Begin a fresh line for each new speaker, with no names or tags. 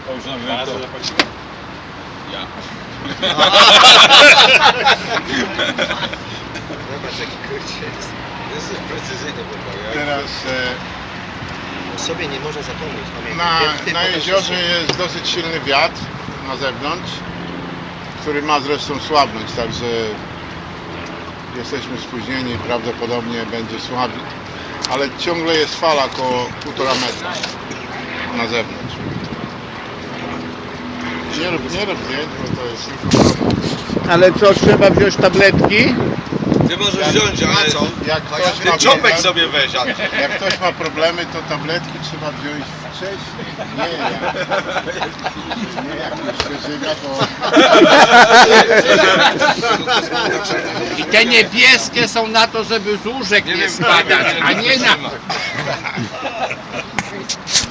To już na wiem to. Ja.
Zobacz jaki kurczę jest. Jesteś precyzyjny chłopak.
Teraz
O sobie nie może zapomnieć.
na jeziorze jest dosyć silny wiatr na zewnątrz, który ma zresztą słabnąć, także jesteśmy spóźnieni, prawdopodobnie będzie słaby, ale ciągle jest fala około 1,5 metra na zewnątrz. Nie rób zdjęć, bo to jest tylko problem.
Ale co, trzeba wziąć tabletki?
Ty możesz wziąć, ale co?
Jak ktoś ma
Ty czopek
problem,
sobie weź, Andrzej.
jak ktoś ma problemy, to tabletki trzeba wziąć wcześniej. Nie jak już się żyga, bo...
I te niebieskie są na to, żeby z łóżek nie spadać, a nie na...